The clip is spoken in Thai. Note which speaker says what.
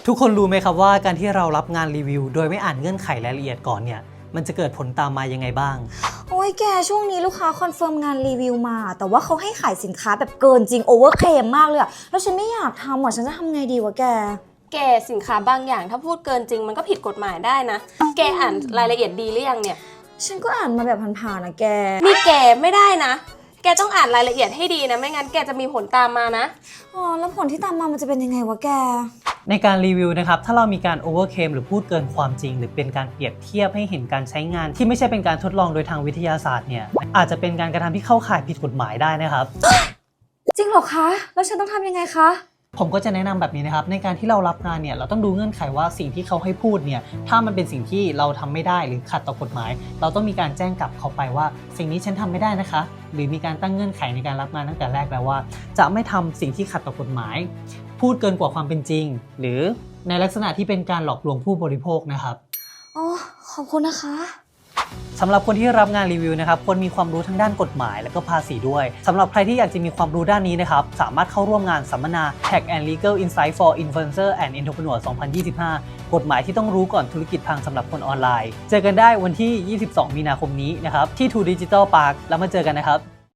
Speaker 1: ทุกคนรู้ไหมครับว่าการที่เรารับงานรีวิวโดยไม่อ่านเงื่อนไขรายละเอียดก่อนเนี่ยมันจะเกิดผลตามมายังไงบ้าง
Speaker 2: โอ้ยแกช่วงนี้ลูกค้าคอนเฟิร์มงานรีวิวมาแต่ว่าเขาให้ขายสินค้าแบบเกินจริงโอเวอร์เคลมมากเลยอะแล้วฉันไม่อยากทำฉันจะทำไงดีวะแก
Speaker 3: สินค้าบางอย่างถ้าพูดเกินจริงมันก็ผิดกฎหมายได้นะแกอ่านรายละเอียดดีหรือยังเนี่ย
Speaker 2: ฉันก็อ่านมาแบบผ่านๆนะแก
Speaker 3: นี่แกไม่ได้นะแกต้องอ่านรายละเอียดให้ดีนะไม่งั้นแกจะมีผลตามมานะ
Speaker 2: แล้วผลที่ตามมามันจะเป็นยังไงวะแก
Speaker 1: ในการรีวิวนะครับถ้าเรามีการโอเวอร์เคลมหรือพูดเกินความจริงหรือเป็นการเปรียบเทียบให้เห็นการใช้งานที่ไม่ใช่เป็นการทดลองโดยทางวิทยาศาสตร์เนี่ยอาจจะเป็นการกระทำที่เข้าข่ายผิดกฎหมายได้นะครับ
Speaker 2: จริงเหรอคะแล้วฉันต้องทำยังไงคะ
Speaker 1: ผมก็จะแนะนำแบบนี้นะครับในการที่เรารับงานเนี่ยเราต้องดูเงื่อนไขว่าสิ่งที่เขาให้พูดเนี่ยถ้ามันเป็นสิ่งที่เราทำไม่ได้หรือขัดต่อกฎหมายเราต้องมีการแจ้งกลับเขาไปว่าสิ่งนี้ฉันทำไม่ได้นะคะหรือมีการตั้งเงื่อนไขในการรับงานตั้งแต่แรกแล้วว่าจะไม่ทำสิ่งที่ขัดต่อกฎหมายพูดเกินกว่าความเป็นจริงหรือในลักษณะที่เป็นการหลอกลวงผู้บริโภคนะครับ
Speaker 2: ขอบคุณนะคะ
Speaker 1: สำหรับคนที่รับงานรีวิวนะครับควรมีความรู้ทั้งด้านกฎหมายและก็ภาษีด้วยสำหรับใครที่อยากจะมีความรู้ด้านนี้นะครับสามารถเข้าร่วมงานสัมมนา Tax and Legal Insight for Influencer and Entrepreneur 2025 กฎหมายที่ต้องรู้ก่อนธุรกิจพังสำหรับคนออนไลน์เจอกันได้วันที่ 22 มีนาคมนี้นะครับที่ True Digital Park แล้วมาเจอกันนะครับ